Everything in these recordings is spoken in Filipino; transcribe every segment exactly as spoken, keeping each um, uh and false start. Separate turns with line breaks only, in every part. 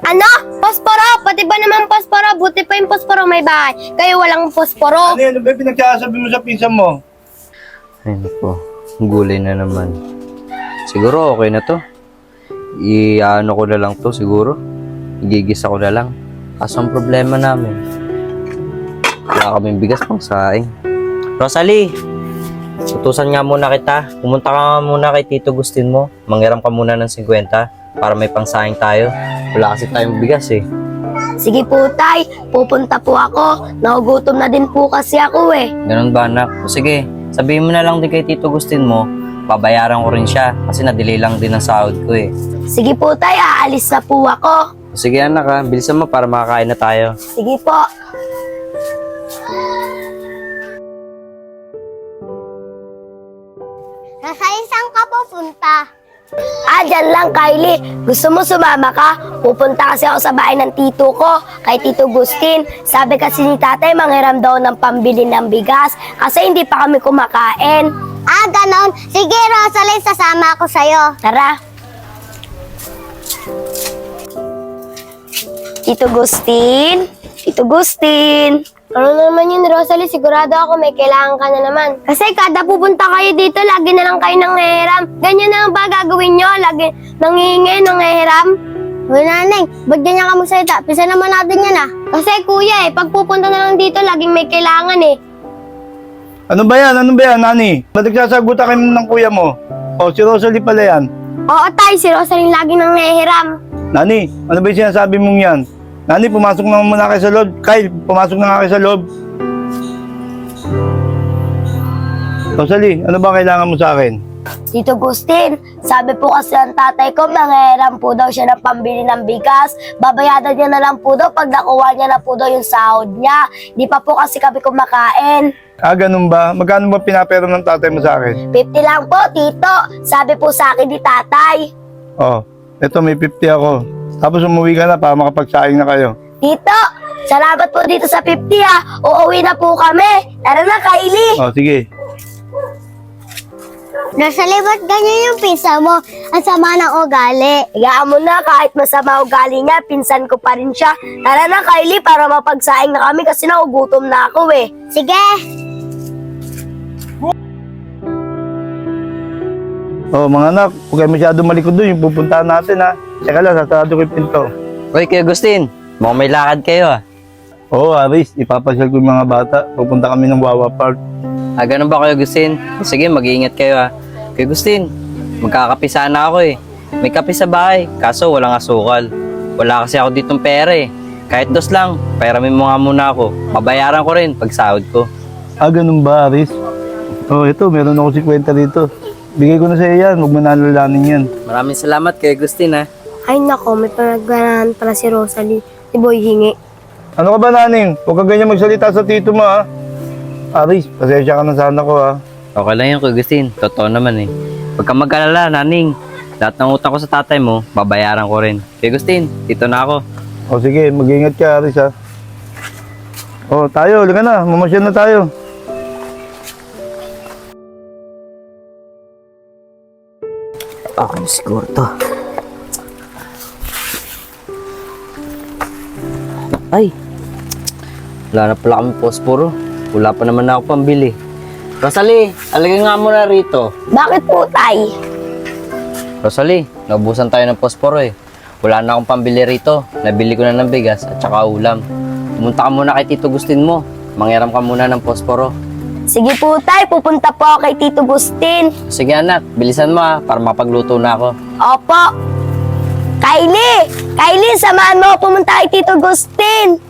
Ano? Posporo? Pati ba naman posporo? Buti pa yung posporo may bahay. Kayo walang posporo.
Ano yan? Ano ba yung pinagsasabi mo sa pinsan mo?
Ay naku, gulay na naman. Siguro okay na to. I-ano ko na lang to siguro. Igigisa ko na lang. Kaso ang problema namin, wala kaming bigas pang saing. Rosalie, utusan nga muna kita. Pumunta ka nga muna kay Tito Gustin mo. Manghiram ka muna ng fifty para may pangsaing tayo. Wala kasi tayong bigas eh.
Sige po, tay. Pupunta po ako. Nagugutom na din po kasi ako eh.
Ganun ba anak? O sige, sabihin mo na lang din kay Tito Gustin mo. Babayaran ko rin siya kasi na-delay lang din ang sahod ko eh.
Sige po, tay. Aalis na po ako.
O sige anak ha, bilisan mo para makakain na tayo.
Sige po.
Rosalie, saan ka pupunta?
Ah, dyan lang, Kylie. Gusto mo sumama ka? Pupunta kasi ako sa bahay ng tito ko, kay Tito Gustin. Sabi kasi ni tatay, manghiram daw ng pambili ng bigas kasi hindi pa kami kumakain.
Ah, ganon. Sige, Rosalie, sasama ako sa'yo.
Tara. Tito Gustin? Tito Gustin? Ano naman yun, Rosalie? Sigurado ako may kailangan ka na naman. Kasi kada pupunta kayo dito, lagi na lang kayo nanghihiram. Ganyan na ba gagawin nyo? Lagi nanghihingi, nanghihiram?
Uy, nanay, ba't ganyan ka magsalita? Pisa naman natin yan ah.
Kasi kuya eh, pag pupunta na lang dito, laging may kailangan eh.
Ano ba yan? Ano ba yan, Nani? Ba't nagsasagutan kayo ng kuya mo? O, si Rosalie pala yan.
Oo tay, si Rosalie laging nanghihiram.
Nani, ano ba yung sinasabi mong yan? Nani, pumasok na muna kayo sa loob. Kyle, pumasok na nga kayo sa loob. Rosalie, ano ba kailangan mo sa akin?
Tito Gustin, sabi po kasi ang tatay ko, nanghihiram po daw siya ng pambili ng bigas. Babayadan niya na lang po daw pag nakuha niya na po daw yung sahod niya. Di pa po kasi kami kumakain.
Ah, ganun ba? Magkano ba pinapero ng tatay mo sa akin?
fifty lang po, tito. Sabi po sa akin ni tatay.
Oh, eto may fifty ako. Tapos umuwi ka na para makapagsaing na kayo.
Tito, salamat po dito sa fifty ha. Uuwi na po kami. Tara na, Kylie.
Oh, sige.
Rosalie, ba't ganyan yung pinsa mo? Ang sama ng ugali.
Hayaan mo na, kahit masama ugali niya, pinsan ko pa rin siya. Tara na, Kylie, para mapagsaing na kami kasi nagugutom na ako eh.
Sige.
Oh, mga anak, huwag kayo masyado malikod doon. Yung pupuntahan natin, ha. Teka lang, sasarado ko yung pinto.
Uy, Kuya Gustin, mukhang may lakad kayo ah.
Oo, Aris, ipapasyal ko yung mga bata. Pupunta kami ng Wawa Park.
Ah, ganun ba Kuya Gustin? Sige, mag-iingat kayo ah. Kuya Gustin, magkakape sana ako eh. May kape sa bahay, kaso walang asukal. Wala kasi ako ditong pera eh. Kahit dos lang, pairamin mo nga muna ako. Babayaran ko rin pag sahod ko.
Ah, ganun ba, Aris? Oh, ito, meron ako fifty dito. Bigay ko na sa iyo yan, huwag mo nalalanin yan.
Maraming salamat Kuya Gustin ah.
Ay nako, may panagganahan pala si Rosalie. Si Boy hingi.
Ano ka ba, Naning? Huwag ka ganyan magsalita sa tito mo, ha? Aris, pasensya ka na sana ko, ha?
Okay lang yun Kuya Gustin, totoo naman eh. Huwag kang mag-alala, Naning. Lahat ng utang ko sa tatay mo, babayaran ko rin. Kuya Gustin, dito na ako.
O sige, mag-ingat ka, Aris, ha? O, tayo, halika na. Mamasyal na tayo.
Okay, siguro to. Ay, wala na pala kami posporo. Wala pa naman ako pambili. Rosalie, alagay nga muna rito.
Bakit po, tay?
Rosalie, naubusan tayo ng posporo eh. Wala na akong pambili rito. Nabili ko na ng bigas at saka ulam. Pumunta ka muna kay Tito Gustin mo. Manghiram ka muna ng posporo.
Sige po, tay. Pupunta po ako kay Tito Gustin.
Sige anak, bilisan mo ah, para mapagluto na ako.
Opo. Kylie! Kylie, samahan mo ako pumunta kay Tito Gustin.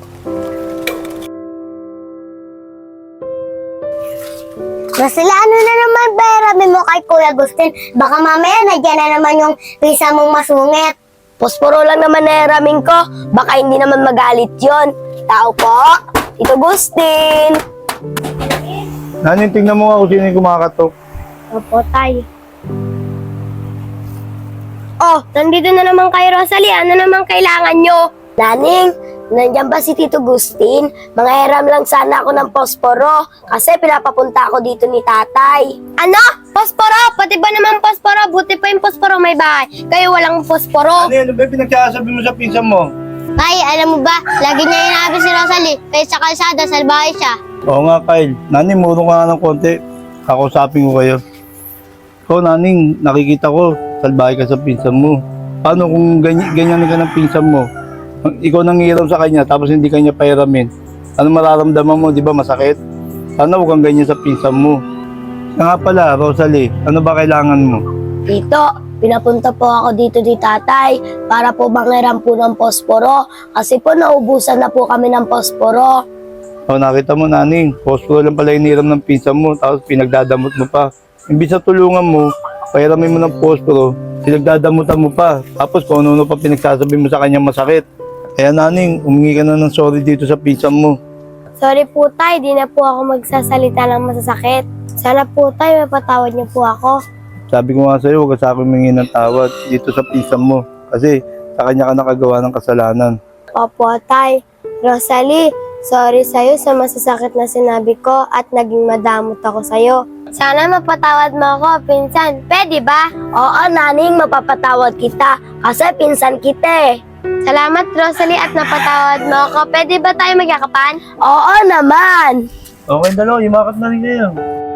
Rosalie, ano na naman pairami mo kay Kuya Gustin? Baka mamaya nandiyan na naman yung pisa mong masungit.
Posporo lang naman nairamin ko. Baka hindi naman magalit yon. Tao po, Tito Gustin.
Naning, tingnan mo nga kung sino yung kumakatok.
Opo, tay. Oh, nandito na naman kayo, Rosalie. Ano naman kailangan nyo? Naning, nandiyan ba si Tito Gustin? Manghiram lang sana ako ng posporo kasi pinapapunta ako dito ni tatay. Ano? Posporo? Pati ba naman posporo? Buti pa yung posporo may bahay. Kayo walang posporo.
Ano yan? Ano ba yung pinagsasabi mo sa pinsan mo?
Tay, alam mo ba, lagi niya inabi si Rosalie, kaya sa kalsada, salbahe siya.
Oo nga, Kyle. Naning, murong ka nga ng konti. Kakausapin ko kayo. Ikaw, Naning, nakikita ko, salbahe ka sa pinsan mo. Paano kung ganyan, ganyan ka ng pinsan mo? Ikaw nangiram sa kanya, tapos hindi kanya pairamin. Ano mararamdaman mo, di ba masakit? Sana huwag kang ganyan sa pinsan mo. Siya nga pala, Rosalie, ano ba kailangan mo?
Tito, pinapunta po ako dito ni tatay para po mangiram po ng posporo. Kasi po naubusan na po kami ng posporo.
O, nakita mo, Naning, posporo lang pala iniram ng pinsan mo, tapos pinagdadamot mo pa. Imbis na tulungan mo, pairamin mo ng posporo, pinagdadamutan mo pa. Tapos kung ano pa pinagsasabi mo sa kanya masakit. Kaya, Naning, umingi ka na ng sorry dito sa pinsan mo.
Sorry po tay, di na po ako magsasalita ng masasakit. Sana po tay, mapatawad niyo po ako.
Sabi ko nga sa'yo, huwag ka sa akin humingi ng tawad dito sa pinsan mo. Kasi sa kanya ka nakagawa ng kasalanan.
Opo tay. Rosalie, sorry sa'yo sa masasakit na sinabi ko at naging madamot ako sa'yo. Sana mapatawad mo ako, pinsan. Pwede ba? Oo, Naning, mapapatawad kita. Kasi pinsan kita eh. Salamat, Rosalie, at napatawad mo ako. Pwede ba tayo magyakapan? Oo naman!
Okay, dalawa, yumakat na rin kayo.